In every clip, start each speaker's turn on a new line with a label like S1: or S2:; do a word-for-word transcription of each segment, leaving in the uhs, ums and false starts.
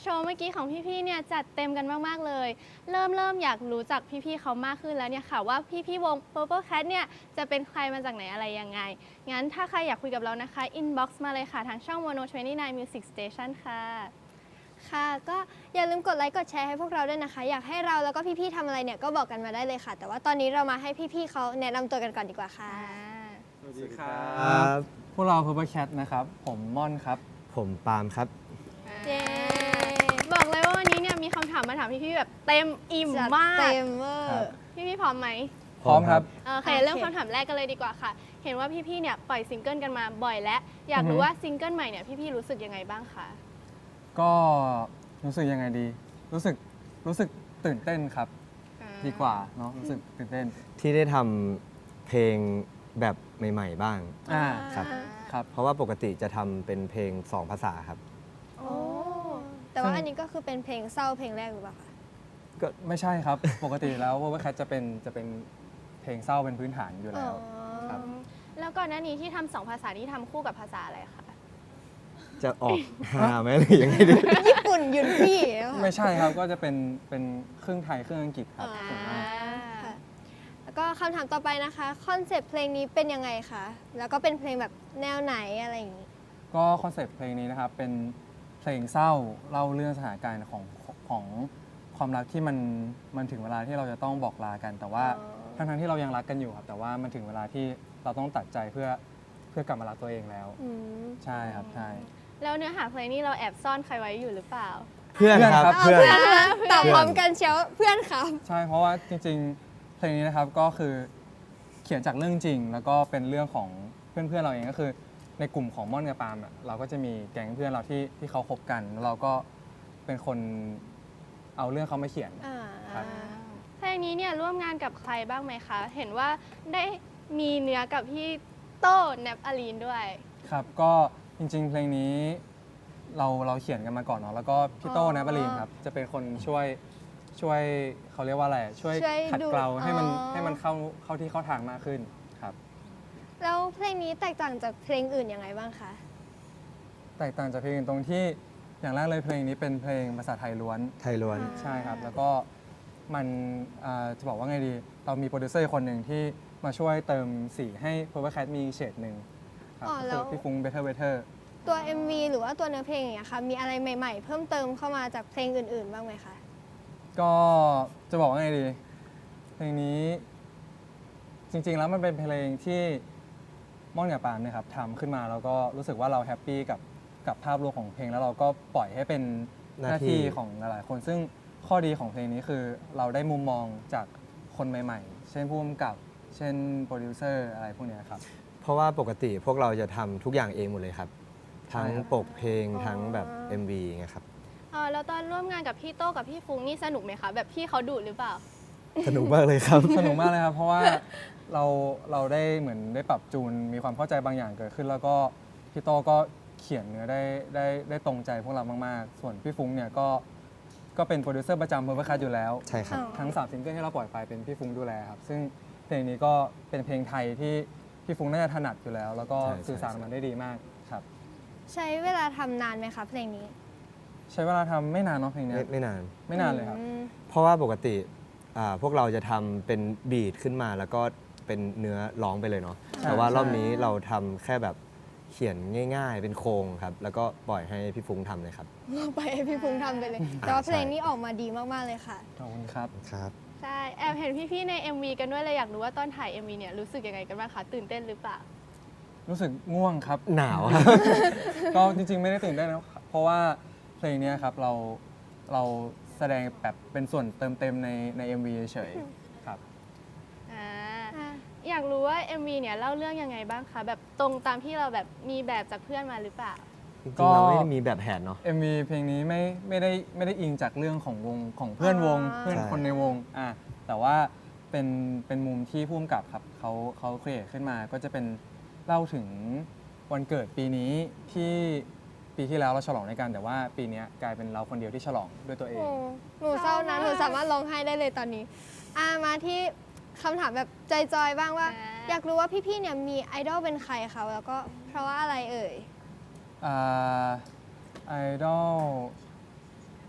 S1: โชว์เมื่อกี้ของพี่ๆเนี่ยจัดเต็มกันมากๆเลยเริ่มเริ่มอยากรู้จักพี่ๆเขามากขึ้นแล้วเนี่ยค่ะว่าพี่ๆวง Purple Cat เนี่ยจะเป็นใครมาจากไหนอะไรยังไงงั้นถ้าใครอยากคุยกับเรานะคะ inbox มาเลยค่ะทางช่อง Mono ยี่สิบเก้า Music Station ค่ะ
S2: ค่ะก็อย่าลืมกดไลค์กดแชร์ให้พวกเราด้วยนะคะอยากให้เราแล้วก็พี่ๆทำอะไรเนี่ยก็บอกกันมาได้เลยค่ะ แต่ว่าตอนนี้เรามาให้พี่ๆเขาแนะนำตัวกันก่อนดีกว่าค่ะ
S3: สวัสดีครับพวกเรา Purple Cat นะครับผมม่อนครับ
S4: ผมปาล์มครับ
S2: เย้
S1: บอกเลยว่าวันนี้เนี่ยมีคำถามมาถามพี่ๆแบบเต็มอิ่ม
S2: จัด
S1: มาก
S2: เต็มเวอ
S3: ครับ
S2: ร์
S1: พี่ๆพร้อมไหม
S3: พร้อมครับ
S1: โอเค
S2: โอเค
S1: เริ่มคำถามแรกกันเลยดีกว่าค่ะ เห็นว่าพี่ๆเนี่ยปล่อยซิงเกิลกันมาบ่อยแล้วอยาก
S3: อือฮึ
S1: รู้ว่าซิงเกิลใหม่เนี่ยพี่ๆรู้สึกยังไงบ้างคะ
S3: ก็รู้สึกยังไงดี รู้สึกรู้สึกตื่นเต้นครับ
S1: อ่า
S3: ดีกว่าเนาะรู้สึกตื่นเต้น
S4: ที่ได้ทำเพลงแบบใหม่ๆบ้าง
S3: อ่า
S4: ครับ
S3: ครับ
S4: เพราะว่าปกติจะทำเป็นเพลงสองภาษาครับ
S2: โอ้แต่ว่าอันนี้ก็คือเป็นเพลงเศร้าเพลงแรกหรือเปล่าคะ
S3: ก็ไม่ใช่ครับ ปกติแล้ว Purple Cat จะเป็นจะเป็นเพลงเศร้าเป็นพื้นฐานอยู่แล้ว ครับ
S1: แล้วก่อนหน้านี้ที่ทำสองภาษานี้ทำคู่กับภาษาอะไรคะ
S4: จะออกฮาไหมหรือยังไงดี
S2: ญี่ปุ่นยุนพี่แล้วค่ะ
S3: ไม่ใช่ครับก็จะเป็นเป็นครึ่งไทยครึ่งอังกฤษครับ
S2: อ่า
S3: ส่วนมาก
S2: ค่ะแล้วก็คำถามต่อไปนะคะคอนเซปต์เพลงนี้เป็นยังไงคะแล้วก็เป็นเพลงแบบแนวไหนอะไรอย่างนี้
S3: ก็คอนเซปต์เพลงนี้นะครับเป็นเพลงเศร้าเล่าเรื่องสถานการณ์ของของความรักที่มันมันถึงเวลาที่เราจะต้องบอกลากัน แต่ว่า
S2: อ๋อ
S3: ทั้งทั้งๆที่เรายังรักกันอยู่ครับแต่ว่ามันถึงเวลาที่เราต้องตัดใจเพื่อเพื่อกลับมารักตัวเองแล้ว
S2: อืม
S3: ใช่ครับใช่
S1: แล้วเนื้อหาเพลงนี้เราแอบซ่อนใครไว้อยู่หรือเปล่า
S4: เพื่อนครับ
S2: เอา
S4: เพื่อน
S2: เพื่อนมาตอบพร้อมกันเชียวเพื่อนครับ
S3: ใช่เพราะว่าจริงๆเพลงนี้นะครับก็คือเขียนจากเรื่องจริง แล้วก็เป็นเรื่องของเพื่อนๆเราเองก็คือ ในกลุ่มของม่อนกับปาล์มอะเราก็จะมีแก๊งเพื่อนเราที่ที่เขาคบกันแล้วเราก็เป็นคนเอาเรื่องเขามาเขียน
S2: อ่า
S3: ครับ
S1: เพลงนี้เนี่ยร่วมงานกับใครบ้างไหมคะ เห็นว่าได้มีเนื้อกับพี่โต้แนบอลีนด้วย
S3: ครับก็จริงๆ เพลงนี้เราเราเขียนกันมาก่อนเนาะแล้วก็พี่โต้นะบรีนครับจะเป็นคนช่วยช่วยเขาเรียกว่าอะไรช่วย
S2: ช่วย
S3: ขัด
S2: ดู
S3: เกลาให้มัน
S2: อ๋อ
S3: ให้มันเข้าเข้าที่เข้าทางมากขึ้นครับ
S2: แล้วเพลงนี้แตกต่างจากเพลงอื่นยังไงบ้างคะ
S3: แตกต่างจากเพลงอื่นตรงที่อย่างแรกเลยเพลงนี้เป็นเพลงภาษาไทยล้วน
S4: ไทยล้วน
S3: ใช่ครับ แล้วก็มันอ่าจะบอกว่าไงดี เรามีโปรดิวเซอร์คนหนึ่งที่มาช่วยเติมสีให้ Purple Cat มีเฉดหนึ่งครับ
S2: อ๋อ
S3: ก็
S2: แล้
S3: คือ
S2: ว
S3: พี่ฟุ้ง Better Better
S2: ตัว เอ็ม วี หรือว่าตัวเนื้อเพลงอย่างเงี้ยค่ะมีอะไรใหม่ ๆ เพิ่มเติมเข้ามาจากเพลงอื่น ๆ บ้างไหมคะ
S3: ก็จะบอกว่าไงดี เพลงนี้จริง ๆ แล้วมันเป็นเพลงที่ม่อนกับปาล์มเนี่ยครับทำขึ้นมาแล้วก็รู้สึกว่าเราแฮปปี้กับกับภาพรวมของเพลงแล้วเราก็ปล่อยให้เป็นห
S4: หน้า
S3: น้า
S4: ที่
S3: ที่ของหลายๆคน ซึ่งข้อดีของเพลงนี้คือเราได้มุมมองจากคนใหม่ ๆ เช่นผู้กำกับ เช่นโปรดิวเซอร์อะไรพวกเนี้ยครับ
S4: เพราะว่าปกติพวกเราจะทำทุกอย่างเองหมดเลยครับ ทั้ง
S3: ใช่ครับ
S4: ปกเพลง
S2: อ๋อ
S4: ทั้งแบบ เอ็ม วี ไงครับ
S1: เออแล้วตอนร่วมงานกับพี่โต้กับพี่ฟุ้งนี่สนุกไหมคะ แบบพี่เขาดุหรือเปล่า
S4: สนุกมากเลยครับ
S3: สนุกมากเลยครับ เพราะว่าเราเราได้เหมือนได้ปรับจูนมีความเข้าใจบางอย่างเกิดขึ้น แล้วก็พี่โตก็เขียนเนื้อได้ได้ได้ตรงใจพวกเรามากๆ ส่วนพี่ฟุ้งเนี่ยก็ก็เป็นโปรดิวเซอร์ประจำ Purple Cat อยู่แล้ว
S4: ใช่ครับ
S2: อ๋อ
S3: ทั้งสามซิงเกิลที่เราปล่อยไปเป็นพี่ฟุ้งดูแลครับ ซึ่งเพลงนี้ก็เป็นเพลงไทยที่พี่ฟุ้งน่าจะถนัดอยู่แล้ว แล้วก็
S4: ใช่ใช่
S3: สื่อสารมันได้ดีมากครับ
S2: ใช้เวลาทำนานไหมคะเพลงนี้
S3: ใช้เวลาทำไม่นานเนาะเพลงเนี้
S4: ไม่
S3: ย
S4: ไม่นาน
S3: ไม่นานเลยครับ
S2: อืม
S4: เพราะว่าปกติอ่าพวกเราจะทำเป็นบีทขึ้นมาแล้วก็เป็นเนื้อร้องไปเลยเนาะ
S3: ใช่
S4: แต่ว่ารอบ
S3: ใช่
S4: นี้เราทำแค่แบบเขียนง่าย ๆ เป็นโครงครับ แล้วก็ปล่อยให้พี่ฟุ้งทำเลยครับ
S2: ไปให้พี่พุงทำไปเลย แต่ว่าเพลงนี้ออกมาดีมาก ๆ เลยค่ะ
S3: ขอบคุณครับ
S4: ครับ
S1: ใช่ แอบเห็นพี่ๆใน เอ็ม วี กันด้วยเลยอยากรู้ว่าตอนถ่าย เอ็ม วี เนี่ยรู้สึกยังไงกันบ้างคะ ตื่นเต้นหรือเปล่า
S3: รู้สึกง่วงครับ
S4: หนาวครับ
S3: ก็จริงๆ ไม่ได้ตื่นเต้นนะเพราะว่าเพลงเนี้ยครับเราเราแสดงแบบเป็นส่วนเติมเต็มในใน เอ็ม วี เฉยๆครับ
S1: อ่า อยากรู้ว่า เอ็ม วี เนี่ยเล่าเรื่องยังไงบ้างคะ แบบตรงตามที่เราแบบมีแบบจากเพื่อนมาหรือเปล่า
S4: จริ
S3: ก็
S4: งๆเราไม่ได้มีแบบแผนเนาะ
S3: เอ็ม วี เพลงนี้ไม่ไม่ได้ไม่ได้อิงจากเรื่องของวงของเพื่อนวง
S2: อ่า
S3: เพื่อน
S4: ใช่
S3: คนในวงอ่ะแต่ว่าเป็นเป็นมุมที่ผู้กำกับครับเขาเขาครีเอทขึ้นมาก็จะเป็นเล่าถึงวันเกิดปีนี้ที่ปีที่แล้วเราฉลองด้วยกัน แต่ว่าปีเนี้ยกลายเป็นเราคนเดียวที่ฉลองด้วยตัวเอง
S2: โอ้หนูเศร้านะ หนูสามารถร้องไห้ได้เลยตอนนี้อ่ามาที่คำถามแบบจอยๆ บ้างว่า
S1: อ่า
S2: อยากรู้ว่าพี่ๆ เนี่ยมีไอดอลเป็นใครคะแล้วก็เพราะว่าอะไรเอ่ย
S3: ไอดอล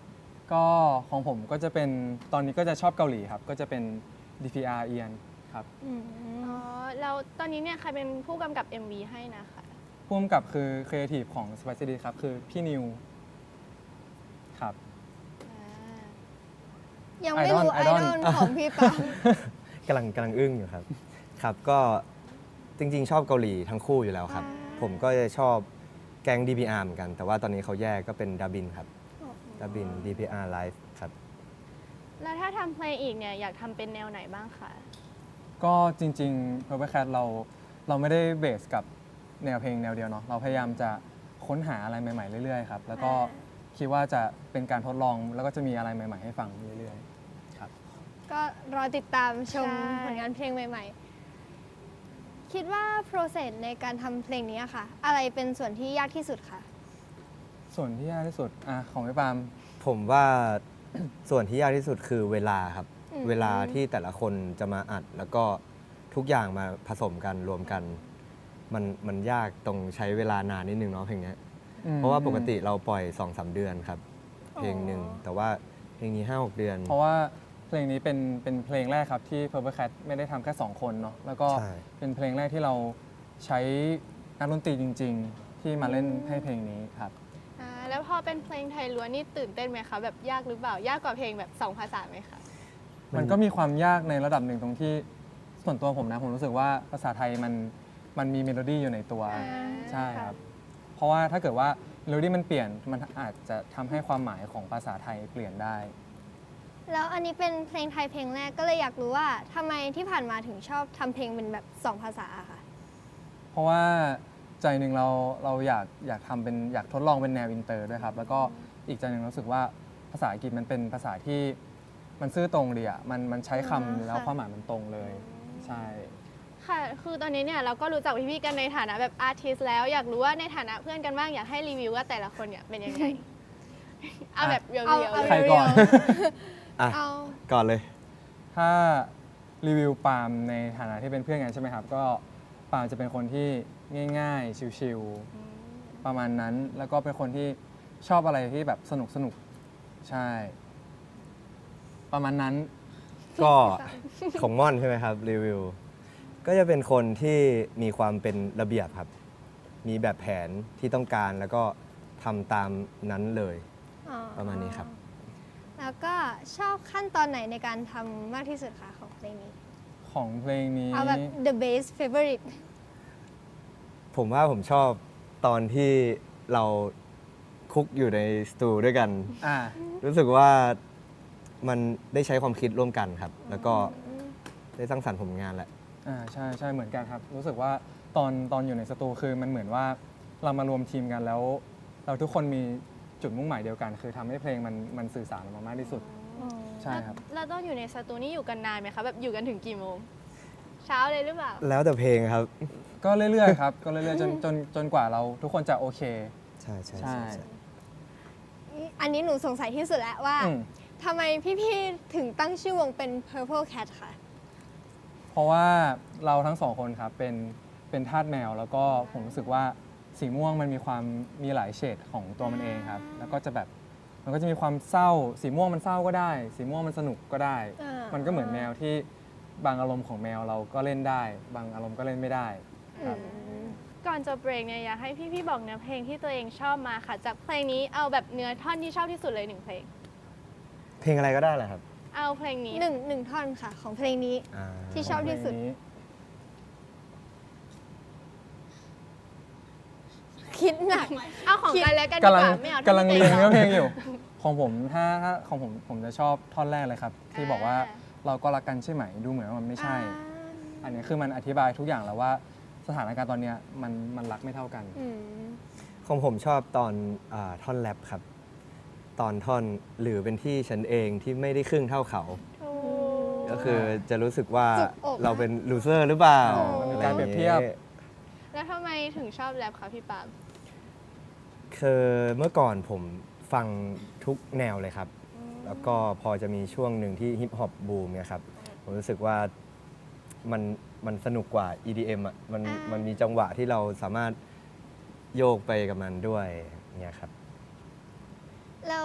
S3: ก็ของผมก็จะเป็นตอนนี้ก็จะชอบเกาหลีครับ ก็จะเป็น ดี พี อาร์ เอียนครับ
S2: อืม
S1: อ๋อแล้วตอนนี้เนี่ยใครเป็นผู้กำกับ เอ็ม วี ให้นะคะ
S3: ร่วมกับคือครีเอทีฟของ Spicy D ครับ คือพี่นิวครับ
S1: อ่า
S2: ยังไม่รู้ไอ
S3: Idol
S2: ดอล
S3: Idol
S2: ของพี่ปาก
S4: ำลังกำลังอึ้งอยู่ครับ ครับ ก็จริงๆ ชอบเกาหลีทั้งคู่อยู่แล้วครับ ผมก็จะชอบแก๊ง ดี พี อาร์ เหมือนกัน แต่ว่าตอนนี้เขาแยกก็เป็นดาบินครับดาบิน ดี พี อาร์ Live ครับ
S1: แล้วถ้าทำเพลงอีกเนี่ยอยากทำเป็นแนวไหนบ้างคะ
S3: ก็จริงๆ Purple Cat เราเราไม่ได้เบสกับแนวเพลงแนวเดียวเนาะเราพยายามจะค้นหาอะไรใหม่ๆเรื่อยๆครับแล้วก็คิดว่าจะเป็นการทดลองแล้วก็จะมีอะไรใหม่ๆให้ฟังเรื่อยๆครับ
S2: ก็รอติดตามชม
S1: ใช่
S2: ผลงานเพลงใหม่ๆ คิดว่า process ในการทำเพลงนี้ค่ะ อะไรเป็นส่วนที่ยากที่สุดคะ
S3: ส่วนที่ยากที่สุดอ่ะของพี่ปาล์ม
S4: ผมว่า ส่วนที่ยากที่สุดคือเวลาครับ
S2: อืม
S4: เวลาที่แต่ละคนจะมาอัด แล้วก็ทุกอย่างมาผสมกันรวมกัน มันมันยากตรงใช้เวลานานนิดนึงเนาะเพลงเนี้ย
S3: อืม
S4: เพราะว่าปกติเราปล่อย สองสาม เดือนครับ เพลงหนึ่งแต่ว่าเพลงนี้ ห้าหก เดือน
S3: เพราะว่าเพลงนี้เป็นเป็นเพลงแรกครับที่ Purple Cat ไม่ได้ทำแค่สองคนเนาะแล้วก็
S4: ใช่
S3: เป็นเพลงแรกที่เราใช้นักดนตรีจริง ๆ ที่มาเล่นให้เพลงนี้ครับ
S1: อ่าแล้วพอเป็นเพลงไทยล้วนนี่ตื่นเต้นไหมคะแบบยากหรือเปล่ายากกว่าเพลงแบบสองภาษาไหมคะ
S3: มันก็มีความยากในระดับหนึ่งตรงที่ส่วนตัวผมนะผมรู้สึกว่าภาษาไทยมันมันมีเมโลดี้อยู่ในตัว
S1: อ่า
S3: ใช่ครับ เพราะว่าถ้าเกิดว่าเมโลดี้มันเปลี่ยนมันอาจจะทำให้ความหมายของภาษาไทยเปลี่ยนได้
S2: แล้วอันนี้เป็นเพลงไทยเพลงแรกก็เลยอยากรู้ว่าทำไมที่ผ่านมาถึงชอบทำเพลงเป็นแบบสองภาษาอะค่ะ
S3: เพราะว่าใจหนึ่งเราเราอยากอยากทำเป็นอยากทดลองเป็นแนวอินเตอร์ด้วยครับ แล้วก็อีกใจหนึ่งรู้สึกว่าภาษาอังกฤษมันเป็นภาษาที่มันซื่อตรงดีอ่ะมันมันใช้คำ
S2: อ่า
S3: แล้ว
S2: ค่ะ
S3: ความหมายมันตรงเลย ใช่
S1: ค่ะ คือตอนนี้เนี่ยเราก็รู้จักพี่ๆกันในฐานะแบบอาร์ติสแล้วอยากรู้ว่าในฐานะเพื่อนกันบ้างอยากให้รีวิวว่าแต่ละคนเนี่ยเป็นยังไง เอาแบบเรียว
S2: เอา
S1: ๆ
S2: เอา
S1: เลย
S3: ใครก่อน
S4: อ่ะ
S2: เอา
S4: ก่อนเลย
S3: ถ้ารีวิวปาล์มในฐานะที่เป็นเพื่อนกันใช่ไหมครับ ก็ปาล์มจะเป็นคนที่ง่ายๆ ชิวๆ ประมาณนั้น แล้วก็เป็นคนที่ชอบอะไรที่แบบสนุกสนุกๆใช่ ประมาณนั้น
S4: ก็ ของม่อนใช่ไหมครับรีวิว ก็จะเป็นคนที่มีความเป็นระเบียบครับ มีแบบแผนที่ต้องการแล้วก็ทำตามนั้นเลย
S2: อ๋อ
S4: ประมาณนี้ครับ
S2: แล้วก็ชอบขั้นตอนไหนในการทำมากที่สุดคะของเพลงนี้
S3: ของเพลงนี้
S2: เอาแบบ the best favorite
S4: ผมว่าผมชอบตอนที่เราคุกอยู่ในสตูด้วยกัน
S3: อ่า
S4: รู้สึกว่ามันได้ใช้ความคิดร่วมกันครับ แล้วก็ได้สร้างสรรค์ผลงานแหละ
S3: อ่าใช่ใช่เหมือนกันครับ รู้สึกว่าตอนตอนอยู่ในสตูคือมันเหมือนว่าเรามารวมทีมกันแล้ว เราทุกคนมีจุดมุ่งหมายเดียวกัน คือทำให้เพลงมันมันสื่อสารออกมามากที่สุด ใช่ครับ
S1: แล้วต้องอยู่ในสตูนี่อยู่กันนานไหมคะแบบอยู่กันถึงกี่โมง เช้าเลยหรือเปล่า
S4: แล้วแต่เพลงครับ
S3: ก็เรื่อยๆครับ ก็เรื่อยๆจนจนจนกว่าเราทุกคนจะโอเค
S4: ใช่ใช่
S3: ใช่
S4: ใช่ใช่
S2: อันนี้หนูสงสัยที่สุดแล้วว่า
S3: อืม
S2: ทำไมพี่ๆถึงตั้งชื่อวงเป็น Purple Cat ค่ะ
S3: เพราะว่าเราทั้งสองคนครับเป็นเป็นทาสแมว แล้วก็ผมรู้สึกว่าสีม่วงมันมีความมีหลายเฉดของตัวมันเองครับ แล้วก็จะแบบมันก็จะมีความเศร้า สีม่วงมันเศร้าก็ได้ สีม่วงมันสนุกก็ได้
S2: อ่ามั
S3: มันก็เหมือนแมวที่บางอารมณ์ของแมวเราก็เล่นได้ บางอารมณ์ก็เล่นไม่ได้ครับ
S1: ก่อนจะเบรกเนี่ยอยากให้พี่ๆบอกเนื้อเพลงที่ตัวเองชอบมาค่ะ จากเพลงนี้เอาแบบเนื้อท่อนที่ชอบที่สุดเลยหนึ่งเพลง
S4: เพลงอะไรก็ได้แหละครับ
S1: เอาเพลงนี้
S2: หนึ่งหนึ่งท่อนค่ะ ของเพลงนี้
S4: อ่า
S2: ที่ชอบที่สุด
S3: เพลงนี้
S2: คิดหนัก
S1: เอาของกันแล้วกันดี
S3: กำลั
S1: ก
S3: ง
S1: ว่าไม่เอา
S3: กำลัง
S1: ท่อน
S3: เรียน
S1: ตัว
S3: เนื้อเพลง
S1: ง
S3: อยู่ ของผมถ้าถ้าของผมผมจะชอบท่อนแรกเลยครับ ที่บอกว่า
S1: อ่า
S3: เราก็รักกันใช่ไหมดูเหมือนว่ามันไม่ใช่ อันนี้คือมันอธิบายทุกอย่างแล้วว่าสถานการณ์ตอนเนี้ยมันมันรักไม่เท่ากัน
S2: อืม
S4: ของผมชอบตอนอาท่อนแรปครับ ตอนท่อนหรือเป็นที่ฉันเองที่ไม่ได้ครึ่งเท่าเขา
S1: ถูก
S4: ก็คือจะรู้สึกว่า
S2: จุกอก
S4: เราเป็นลูเซอร์หรือเปล่า
S3: อ๋อมันมีการเปรียบเทียบ
S4: อะไรอางงี้
S1: แล้วทำไมถึงชอบแรปคะพี่ปาล์ม
S4: คือเมื่อก่อนผมฟังทุกแนวเลยครับ แล้วก็พอจะมีช่วงหนึ่งที่ฮิปฮอปบูมเนี่ยครับ ผมรู้สึกว่ามันมันสนุกกว่า อี ดี เอ็ม อ่ะ มัน
S2: อ่ามั
S4: มันมีจังหวะที่เราสามารถโยกไปกับมันด้วยเนี่ยครับ
S2: แล้ว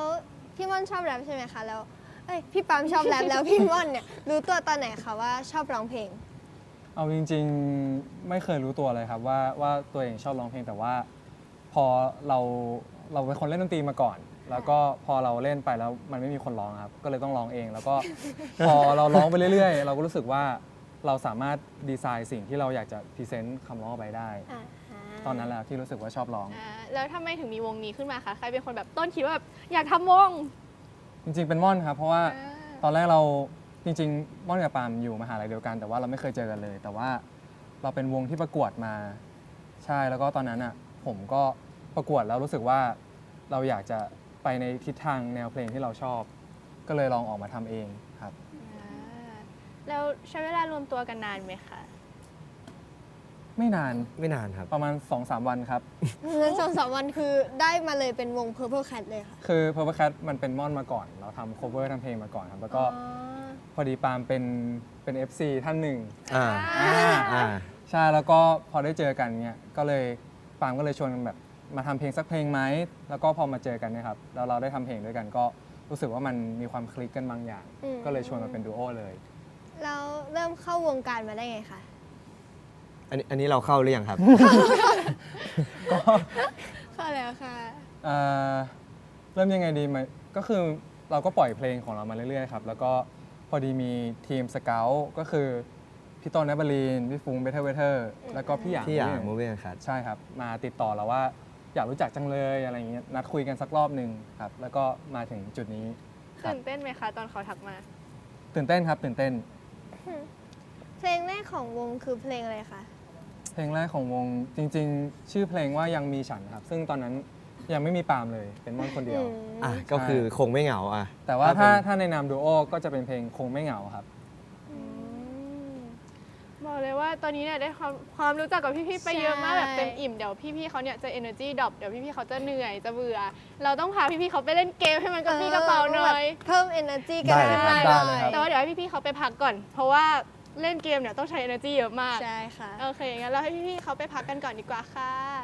S2: พี่ม่อนชอบแรปใช่ไหมคะแล้วเอ้ยพี่ปั๊มชอบแรปแล้วพี่ม่อนเนี่ยรู้ตัวตอนไหนคะว่าชอบร้องเพลง
S3: เอาจริงๆไม่เคยรู้ตัวเลยครับว่าว่าตัวเองชอบร้องเพลงแต่ว่าพอเราเราเป็นคนเล่นดนตรีมาก่อน แล้วก็พอเราเล่นไปแล้วมันไม่มีคนร้องครับก็เลยต้องร้องเอง แล้วก็ พอเราร้องไปเรื่อยๆ เราก็รู้สึกว่าเราสามารถดีไซน์สิ่งที่เราอยากจะพรีเซนต์คำร้องออกไปได้ ตอนนั้นแหละที่รู้สึกว่าชอบร้อง
S1: อ่าแล้วทำไมถึงมีวงนี้ขึ้นมาคะใครเป็นคนแบบต้นคิดว่าแบบอยากทำวง
S3: จริงๆเป็นม่อนครับเพราะว่า
S1: อ่า
S3: ตอนแรกเราจริงๆม่อนกับปาล์มอยู่มหาลัยเดียวกัน แต่ว่าเราไม่เคยเจอกันเลย แต่ว่าเราเป็นวงที่ประกวดมาใช่แล้วก็ตอนนั้นอ่ะผมก็ประกวดแล้วรู้สึกว่าเราอยากจะไปในทิศทางแนวเพลงที่เราชอบ ก็เลยลองออกมาทำเองครับ
S1: อ่าแล้วใช้เวลารวมตัวกันนานไหมคะ
S3: ไม่นาน
S4: ไม่นานครับ
S3: ประมาณ สองสาม วันครับ
S2: งั้นสองสามวันคือได้มาเลยเป็นวง Purple Cat เลยค่ะ
S3: คือ Purple Cat มันเป็นม่อนมาก่อน เราทำ cover ทำเพลงมาก่อนครับ แล้วก็
S2: อ๋อ
S3: พอดีปาล์มเป็นเป็น เอฟ ซี ท่านหนึ่ง
S4: อ่า
S3: อ่า
S4: อ่า
S3: ใช่แล้วก็พอได้เจอกันเนี่ยก็เลยปาล์มก็เลยชวนกันแบบมาทำเพลงสักเพลงไหมแล้วก็พอมาเจอกันเนี่ยครับแล้วเราได้ทำเพลงด้วยกันก็รู้สึกว่ามันมีความคลิกกันบางอย่าง
S2: อืม
S3: ก็เลยชวนมาเป็นดูโอเลย
S2: แล้วเริ่มเข้าวงการมาได้ไงคะ
S4: อันนี้อันนี้เราเข้าหรือยังครับ
S3: ก็
S2: เข้าแล้วค่ะ
S3: เอ่อเริ่มยังไงดีมันก็คือเราก็ปล่อยเพลงของเรามาเรื่อยๆครับแล้วก็พอดีมีทีมสเกลก็คือพี่ต้นนบลีนพี่ฟุ้งเบเทอร์เวเทอร์แล้วก็พี่หยาง
S4: ที่อย่าง
S3: Movie
S4: มูเว่ครับ
S3: ใช่ครับ มาติดต่อเราว่าอยากรู้จักจังเลยอะไรอย่างเงี้ยนัดคุยกันสักรอบหนึ่งครับ แล้วก็มาถึงจุดนี้ครับ
S1: ตื่นเต้นไหมคะ ตอนเขาทักมา
S3: ตื่นเต้นครับ ตื่นเต้น
S2: เพลงแรกของวงคือเพลงอะไรคะ
S3: เพลงแรกของวงจริง ๆ ชื่อเพลงว่ายังมีฉันครับ ซึ่งตอนนั้นยังไม่มีปาล์มเลยเป็นม่อนคนเดียว
S4: อ่ะก็คือคงไม่เหงาอ่ะ
S3: แต่ว่าถ้า
S4: เป็น
S3: ถ้าในนามดูโอก็จะเป็นเพลงคงไม่เหงาครับ
S1: บอกเลยว่าตอนนี้เนี่ยได้ความความรู้จักกับพี่ๆไปเยอะมาก
S2: ใช่
S1: แบบเต็มอิ่มเดี๋ยวพี่ๆเขาเนี่ยจะ energy drop เดี๋ยวพี่ๆเขาจะเหนื่อยจะเบื่อ เราต้องพาพี่ๆเขาไปเล่นเกมให้มันกระปรี้กระเป๋าหน่อย
S2: เพิ่ม energy กัน
S4: ได้เลยครับ
S3: ได้เลยครับ
S1: แต่ว่าเดี๋ยวให้พี่ๆเขาไปพักก่อน เพราะว่าเล่นเกมเนี่ยต้องใช้ energy เยอะมาก
S2: ใช่ค่ะ
S1: โอเคงั้นเราให้พี่ๆเขาไปพักกันก่อนดีกว่าค่ะ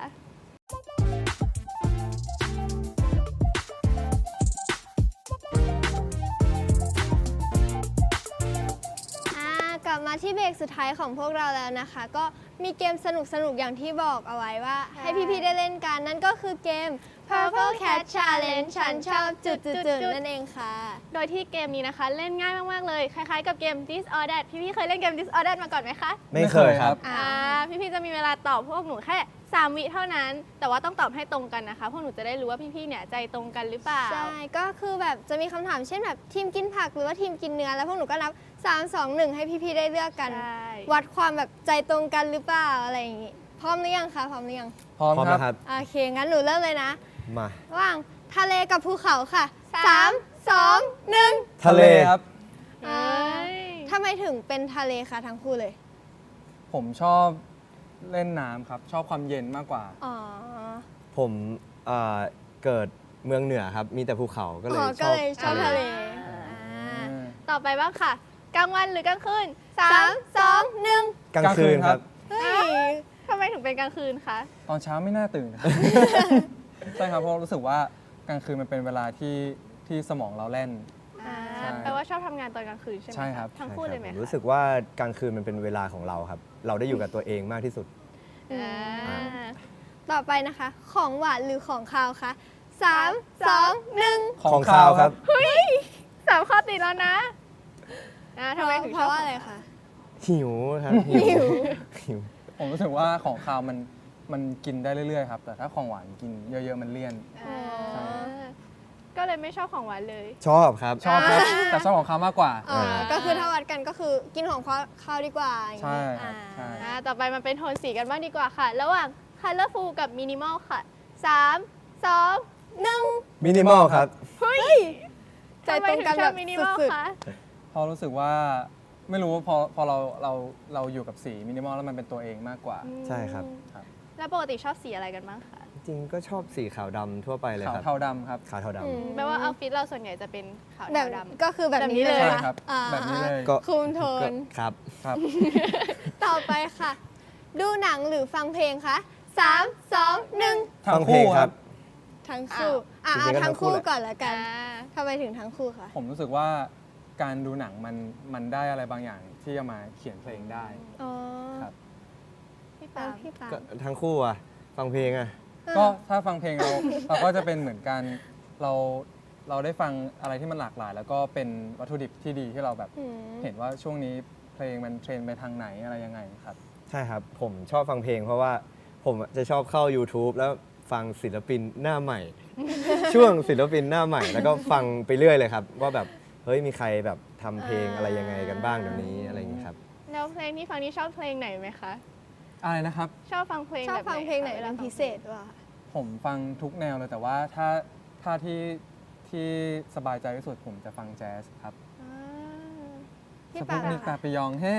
S2: อ่ากลับมาที่เบรกสุดท้ายของพวกเราแล้วนะคะ ก็มีเกมสนุกๆ อย่างที่บอกเอาไว้ว่า
S1: ใช่
S2: ให้พี่ๆ ได้เล่นกัน นั่นก็คือเกม Purple Cat Challenge ฉันชอบจุดๆๆนั่นเองค่ะ
S1: โดยที่เกมนี้นะคะ เล่นง่ายมากๆเลย คล้ายๆกับเกม This or That พี่ๆเคยเล่นเกม This or That มาก่อนไหมคะ
S4: ไม่เคยครับ
S2: อ่า
S1: อ่าพี่ๆจะมีเวลาตอบพวกหนูแค่สามวิเท่านั้น แต่ว่าต้องตอบให้ตรงกันนะคะ พวกหนูจะได้รู้ว่าพี่ๆเนี่ยใจตรงกันหรือเปล่า
S2: ใช่ ก็คือแบบจะมีคำถามเช่นแบบทีมกินผักหรือว่าทีมกินเนื้อ แล้วพวกหนูก็นับ สาม สอง หนึ่ง ให้พี่ๆ ได้เลือกกัน
S1: ใช่
S2: วัดความแบบใจตรงกันหรือเปล่าอะไรอย่างงี้ พร้อมหรือยังคะ พร้อมหรือยัง
S3: พร้อม
S4: พร้อม
S3: ครั
S4: นะ
S3: บ
S4: ครับ
S2: โอเค งั้นหนูเริ่มเลยนะ
S4: มา
S2: ระหว่างทะเลกับภูเขาค่ะ
S1: สาม
S2: สาม สอง หนึ่ง
S4: ทะเล
S3: ครับ
S1: เอ้ย
S2: ทำไมถึงเป็นทะเลคะทั้งคู่เลย
S3: ผมชอบเล่นน้ำครับ ชอบความเย็นมากกว่า
S2: อ๋อ
S4: ผมเอ่อเกิดเมืองเหนือครับ มีแต่ภูเขาก็เลย
S2: อ๋อ
S4: ช
S2: ก็
S4: อบ
S2: เลยชอบทะเลอ่า
S1: ต่อไปบ้างค่ะ กลางวันหรือกลางคืน
S2: สาม สอง หนึ่ง
S4: กลางคืนครับ
S2: เฮ้ย
S1: ทำไมถึงเป็นกลางคืนคะ
S3: ตอนเช้าไม่น่าตื่น ครับ ใช่ครับ เพราะรู้สึกว่ากลางคืนมันเป็นเวลาที่ที่สมองเราเล่น
S1: อ่า
S3: ใช่
S1: แปลว่าชอบทำงานตอนกลางคืนใช่ไหม
S3: ใช่ครับ
S1: ทั้งคู่เลยไหม
S4: ผม
S1: คะ
S4: รู้สึกว่ากลางคืนมันเป็นเวลาของเราครับ เราได้อยู่กับตัวเองมากที่สุด
S1: อ่า
S2: ต่อไปนะคะ ของหวานหรือของคาวคะสาม สอง หนึ่ง
S4: ของคาวครับ
S1: สามข้อติดแล้วนะอ่าทำไมถึง
S2: เพ
S1: ชอบ
S2: ราะว่าอะไรคะ
S4: หิวครับ
S2: หิว
S4: หิว
S3: ผมรู้สึกว่าของคาวมันมันกินได้เรื่อยๆครับ แต่ถ้าของหวานกินเยอะๆมันเลี่ยน
S1: อ่า
S3: ใช่
S1: ก็เลยไม่ชอบของหวานเลย
S4: ชอบครับ
S3: ชอบครับ แต่ชอบของคาวมากกว่า
S2: อ่าก็คือถ้าวัดกันก็คือกินของคาวดีกว่าอย่าง
S3: ใช่
S2: งี้
S3: ครับใช่
S1: อ่าต่อไปมันเป็นโทนสีกันบ้างดีกว่าค่ะ ระหว่าง colorful กับ minimal ค่ะสาม สอง
S2: หนึ่ง
S4: มินิมอลครับ
S1: เฮ้ย
S2: ใจตรงกัน
S1: ทำไมถึช
S2: แบ
S1: อบ มินิมอล
S2: สุด
S1: คะ
S3: เพราะรู้สึกว่าไม่รู้ว่าพอพอเราเราเราอยู่กับสีมินิมอลแล้วมันเป็นตัวเองมากกว่า
S4: ใช่ครับ
S3: ครับ
S1: แล้วปกติชอบสีอะไรกันบ้างคะ
S4: จริงๆก็ชอบสีขาวดำทั่วไปเลย
S3: ขาว
S4: ครับ
S3: เทาดำครับ
S4: ขาวเทา
S2: ๆอืม
S4: ดำ
S1: แปลว่าเอาฟิตเราส่วนใหญ่จะเป็นขาว
S2: แบบ
S1: ดำ
S2: ก็คือแบบนี้
S1: แบบนี้
S2: เลย
S1: เลย
S3: ใช่
S2: นะครับ อ่า
S3: แบบนี้เลย
S4: ก็
S2: คุมโท
S4: ก็
S2: น
S4: ครับ
S3: ครับ
S2: ต่อไปค่ะ ดูหนังหรือฟังเพลงคะสาม สอง หนึ่ง
S4: ฟังเพลงครับ
S2: ททั้งคู่อ่ะ
S4: จริงๆก็
S2: เอาทั้งคู่
S4: ทั้งคู่แหละ
S2: ก่อนละกัน
S1: อ่า
S2: ทำไมถึงทั้งคู่คะ
S3: ผมรู้สึกว่าการดูหนังมันมันได้อะไรบางอย่างที่จะมาเขียนเพลงได้
S2: อ๋อ
S3: ครับ
S1: พี่
S2: แล้
S1: ปาว ล์ม
S2: พี่ปาล์
S4: ก็
S2: ม
S4: ทั้งคู่อะฟังเพลงอะ
S3: ก็ถ้าฟังเพลงเรา เราก็จะเป็นเหมือนกันเราเราได้ฟังอะไรที่มันหลากหลาย แล้วก็เป็นวัตถุดิบที่ดีที่เราแบบ
S2: อืม
S3: เห็นว่าช่วงนี้เพลงมันเทรนไปทางไหนอะไรยังไงครับ
S4: ใช่ครับ ผมชอบฟังเพลงเพราะว่าผมจะชอบเข้า YouTube แล้วฟังศิลปินหน้าใหม่ ช่วงศิลปินหน้าใหม่ แล้วก็ฟังไปเรื่อยเลยครับ ว่าแบบเฮ้ยมีใครแบบทำเพลงอะไรยังไงกันบ้างเดี๋ยวนี้อะไรอย่างนี้ครับ
S1: แล้วเพลงที่ฟังนี่ชอบเพลงไหนไหมคะ
S3: อะไรนะครับ
S1: ชอบฟังเพลง
S2: ชอบ
S1: แบบ
S2: ฟังเพลงไหน
S1: คะว
S2: เป็
S1: ลาน ฟัง
S2: พิเศษวะ
S3: ผมฟังทุกแนวเลยแต่ว่าถ้าถ้าที่ที่สบายใจที่สุดผมจะฟังแจ๊สครับ
S1: อ่า
S2: พี่
S3: ส
S2: ปา
S3: ปุ
S2: ล์
S3: ก
S2: ม
S3: นิก
S2: อะ
S3: ตา
S2: คะ
S3: ปิยองเฮ้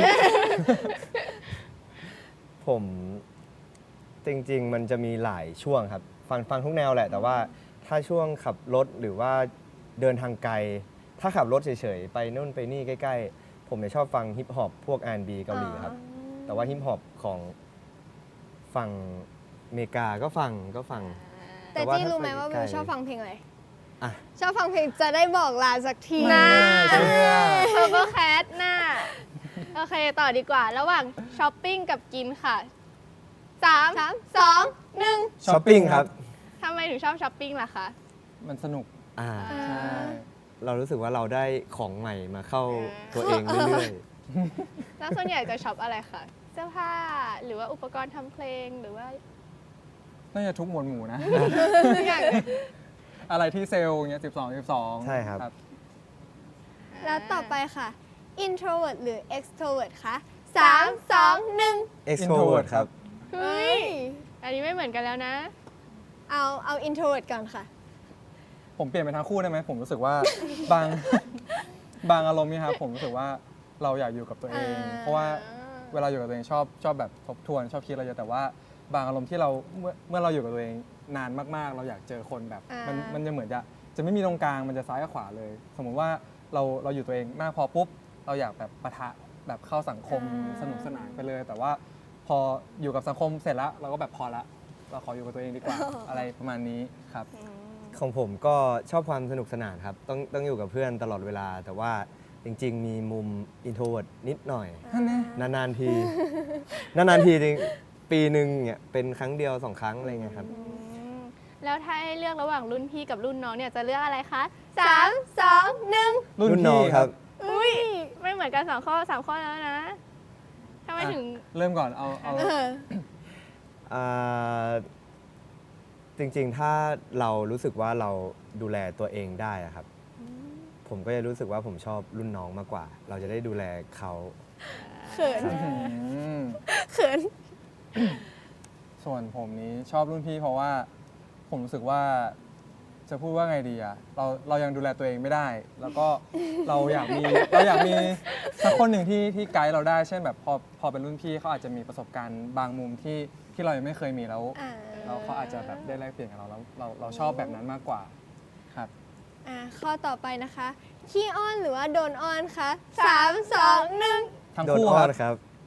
S4: ผมจริงๆ มันจะมีหลายช่วงครับ ฟังฟังทุกแนวแหละ แต่ว่าถ้าช่วงขับรถหรือว่าเดินทางไกล ถ้าขับรถเฉยๆ ไปนู่นไปนี่ใกล้ๆ ผมจะชอบฟังฮิปฮอปพวก อาร์ แอนด์ บี เกาหลีครับ แต่ว่าฮิปฮอปของฝั่งอเมริกาก็ฟังก็ฟัง
S2: แต่
S4: แต่ว่า
S2: จี้รู้ไหม
S4: ถ้า
S2: ว่า
S4: ไป
S2: วิว
S4: ไกล
S2: ชอบฟังเพลงอะไร
S4: อ่ะ
S2: ชอบฟังเพลงจะได้บอกลาสักที
S3: น่าเชื่อ
S1: Purple Cat น่ะโอเค ต่อดีกว่า ระหว่างช้อปปิ้งกับกินค่ะสาม
S2: สามสองหนึ่ง
S4: ช้อปปิ้งครับ
S1: ทำไมถึงชอบช้อปปิ้งล่ะคะ
S3: มันสนุก
S4: อ่า
S3: ใช่
S4: เรารู้สึกว่าเราได้ของใหม่มาเข้า
S1: อ่า
S4: ตัวเองเรื่อย
S1: แล้วส่วนใหญ่จะช็อปอะไรคะเสื้อผ้าหรือว่าอุปกรณ์ทำเพลงหรือว่า
S3: น่าจะทุกหมวดหมู่นะ
S1: ทุกอย่างเลย
S3: อะไรที่เซลล์เงี้ยสิบสอง สิบสอง
S4: ใช่ครับ
S2: แล้วต่อไปค่ะ introvert หรือ extrovert คะสามสองหนึ่ง
S4: ๆ extrovert ครับ
S1: เฮ้ย อันนี้ไม่เหมือนกันแล้วนะ
S2: เอาเอา introvert ก่อนค่ะ
S3: ผมเปลี่ยนไปทั้งคู่ได้ไหมผมรู้สึกว่า บาง บางอารมณ์เนี่ยครับผมรู้สึกว่าเราอยากอยู่กับตัวเอง
S2: อ่า
S3: เพราะว่าเวลาอยู่กับตัวเองชอบชอบแบบทบทวนชอบคิดอะไรเยอะแต่ว่าบางอารมณ์ที่เราเมื่อเมื่อเราอยู่กับตัวเองนานมากๆ เราอยากเจอคนแบบ
S2: อ่ามั
S3: มันมันจะเหมือนจะจะไม่มีตรงกลางมันจะซ้ายกับขวาเลย สมมุติว่าเราเราอยู่ตัวเองมากพอปุ๊บเราอยากแบบปะทะแบบเข้าสังคมสนุกสนานไปเลย แต่ว่าพออยู่กับสังคมเสร็จแล้วเราก็แบบพอละเราขออยู่กับตัวเองดีกว่า อะไรประมาณนี้ครับ
S4: ของผมก็ชอบความสนุกสนานครับ ต้องต้องอยู่กับเพื่อนตลอดเวลา แต่ว่าจริง ๆ มีมุม introvert นิดหน่อย นาน ๆ ที นาน ๆ ทีจริง ปีหนึ่งเนี่ยเป็นครั้งเดียวสองครั้งอะไรเงี้ยครับ
S1: อืมแล้วถ้าให้เลือกระหว่างรุ่นพี่กับรุ่นน้องเนี่ยจะเลือกอะไรคะ
S2: สามสองหนึ่ง
S3: รุ่น
S4: รุ่นน้อง
S3: พี่
S4: ครับ
S1: อุ้ยไม่เหมือนกันสองข้อสามข้อแล้วนะทำไม
S3: อ่ะ
S1: ถึง
S3: เริ่มก่อนเอาเอา
S4: อ่าจริงๆ ถ้าเรารู้สึกว่าเราดูแลตัวเองได้อะครับ ผมก็จะรู้สึกว่าผมชอบรุ่นน้องมากกว่า เราจะได้ดูแลเขา
S2: เขิน
S3: อืม
S2: เขิน
S3: ส่วนผมนี้ชอบรุ่นพี่เพราะว่าผมรู้สึกว่าจะพูดว่าไงดีอะเราเรายังดูแลตัวเองไม่ได้ แล้วก็ เราอยากมีเราอยากมีสักคนหนึ่งที่ที่ไกด์เราได้ เช่นแบบพอพอเป็นรุ่นพี่เขาอาจจะมีประสบการณ์บางมุมที่ที่เรายังไม่เคยมีแล้ว
S2: อ่า
S3: แล้วเขาอาจจะแบบได้แลกเปลี่ยนกับเราแล้วเราเราชอบแบบนั้นมากกว่าครับ
S2: อ่าข้อต่อไปนะคะ ขี้อ้อนหรือว่าโดนอ้อนคะสามสองหนึ่ง
S3: ทั้ง
S4: โดน
S3: คู่
S4: อ้
S3: ค
S4: อ
S3: รับ
S4: นครับ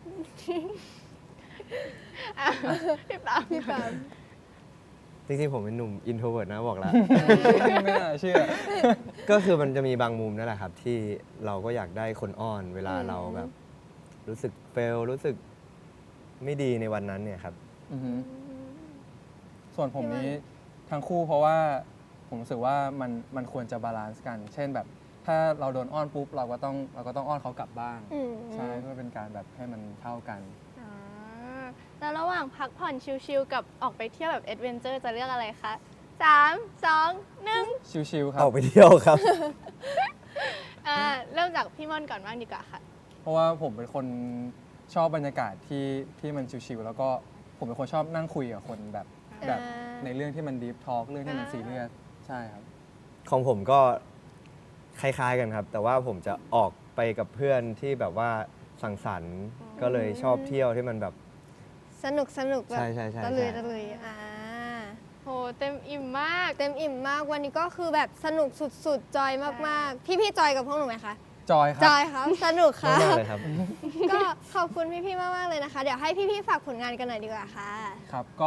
S1: อ่ะพี่ปาล์ม
S2: พี่ปาล์ม
S4: จริง ๆ ผมเป็นหนุ่ม introvert นะบอกแล้ว
S3: ไม่น่าเชื่อ
S4: ก็คือมันจะมีบางมุมนั่นแหละครับ ที่เราก็อยากได้คนอ้อนเวลาเราแบบ รู้สึกเฟลรู้สึกไม่ดีในวันนั้นเนี่ยครับ
S3: อือฮึส่วนผมนี้ทั้งคู่เพราะว่าผมรู้สึกว่ามันมันควรจะบาลานซ์กัน เช่นแบบ ถ้าเราโดนอ้อนปุ๊บเราก็ต้องเราก็ต้องอ้อนเขากลับบ้าง
S2: อืม
S3: ใช่เพื่อเป็นการแบบให้มันเท่ากัน
S1: อ่าแล้วระหว่างพักผ่อนชิลๆกับออกไปเที่ยวแบบเอดเวนเจอร์จะเลือกอะไรคะสามสองหนึ่ง
S3: ชิลๆครั
S4: อบ อกไปเที่ยวครับ
S1: อ่าเริ่มจากพี่ม่อนก่อนบ้างดีกว่าค่ะ
S3: เพราะว่าผมเป็นคนชอบบรรยากาศที่ที่มันชิลๆแล้วก็ผมเป็นคนชอบนั่งคุยกับคนแบบแบบ
S2: อ่า
S3: ในเรื่องที่มันดีฟทอล์กเรื่องที่มัน
S1: อ่า
S3: ซีเรียสใช่ครับ
S4: ของผมก็คล้ายๆกันครับ แต่ว่าผมจะออกไปกับเพื่อนที่แบบว่าสังสรรค์ก็เลยชอบเที่ยวที่มันแบบ
S2: สนุกสนุกแบบ
S4: ใช่ใช่ใช่
S2: ตะลุย
S4: ใช่
S2: ตะลุยอ่า
S1: โหเต็มอิ่มมาก
S2: เต็มอิ่มมากวันนี้ก็คือแบบสนุกสุดๆ จอยมากๆ พี่ๆจอยกับพวกหนูไหมคะ
S3: จอยค
S2: จ
S3: รับ
S2: อยครับ สนุกค่ะ
S4: มากๆเลยครับ
S2: ก็ขอบคุณพี่ๆ มากๆ เลยนะคะ เดี๋ยวให้พี่ๆ ฝากผลงานกันหน่อยดีกว่าค่ะ
S3: ครับก็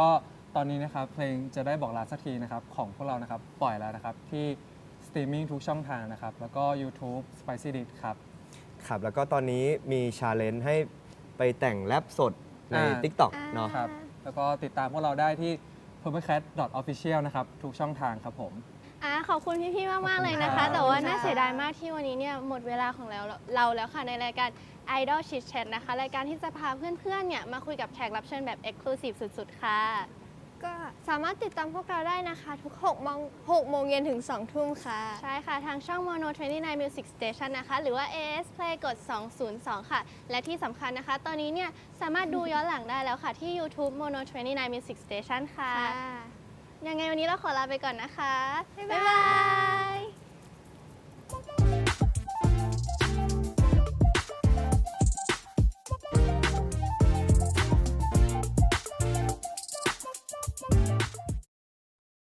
S3: ตอนนี้นะครับเพลงจะได้บอกลาสักทีนะครับของพวกเรานะครับปล่อยแล้วนะครับที่สตรีมมิ่งทุกช่องทางนะครับแล้วก็ YouTube Spicy Dish ครับ
S4: ครับ แล้วก็ตอนนี้มีชาเลนจ์ให้ไปแต่งแรปสดใน
S3: อ่า
S4: TikTok
S2: อ่า
S4: เนาะ
S3: ครับแล้วก็ติดตามพวกเราได้ที่ purplecat official นะครับทุกช่องทางครับผม
S1: อ่ะขอบคุณพี่ๆ มาก ๆ เลยนะ
S3: ขอบคุณครั
S1: คะ
S3: บ
S1: แต่ว่าน่าเสียดายมากที่วันนี้เนี่ยหมดเวลาของเราเราแล้วค่ะในรายการ Idol Chit Chat นะคะ รายการที่จะพาเพื่อนๆ เนี่ยมาคุยกับแขกรับเชิญแบบ Exclusive สุดๆ ค่ะ
S2: ก็สามารถติดตามพวกเราได้นะคะ ทุก6โมง6โมงเย็นถึง2ทุ่มค่ะ
S1: ใช่ค่ะ ทางช่อง Mono ยี่สิบเก้า Music Station นะคะ หรือว่า เอ เอส Play กด สองศูนย์สอง ค่ะ และที่สำคัญนะคะ ตอนนี้เนี่ยสามารถดูย้อนหลังได้แล้วค่ะที่ YouTube Mono ยี่สิบเก้า Music Station ค่ะ ยังไงวันนี้เราขอลาไปก่อนนะคะ
S2: บ๊ายบาย